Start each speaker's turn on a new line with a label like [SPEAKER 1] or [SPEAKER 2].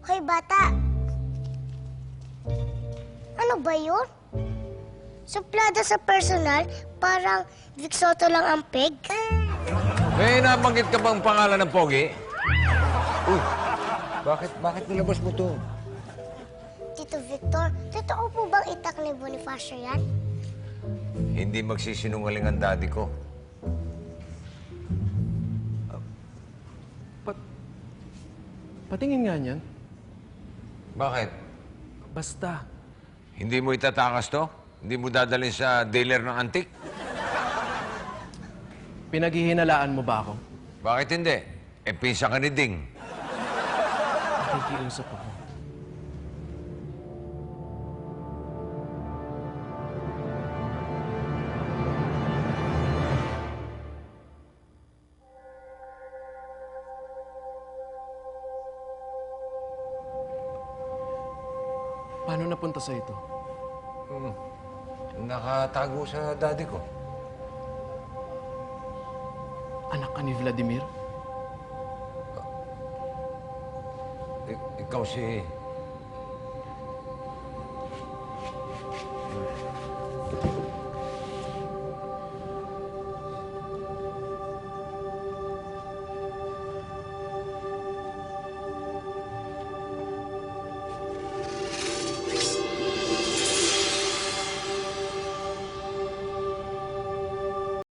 [SPEAKER 1] Hoy, bata! Ano ba yun? Suplada sa personal, parang Vic Soto lang ang peg.
[SPEAKER 2] May nabanggit ka bang pangalan ng Pogi?
[SPEAKER 3] Uy, bakit nilabas mo to?
[SPEAKER 1] Tito Victor, totoo po bang itak ni Bonifacio yan?
[SPEAKER 2] Hindi magsisinungaling ang daddy ko.
[SPEAKER 4] Patingin nga niyan.
[SPEAKER 2] Bakit?
[SPEAKER 4] Basta.
[SPEAKER 2] Hindi mo itatakas to? Hindi mo dadalhin sa dealer ng antik?
[SPEAKER 4] Pinaghihinalaan mo ba ako?
[SPEAKER 2] Bakit hindi? Pinsa ka ni Ding.
[SPEAKER 4] Nakikiusap ako. Paano napunta sa ito?
[SPEAKER 2] Nakatago sa daddy ko.
[SPEAKER 4] Anak ka ni Vladimir?
[SPEAKER 2] Ikaw si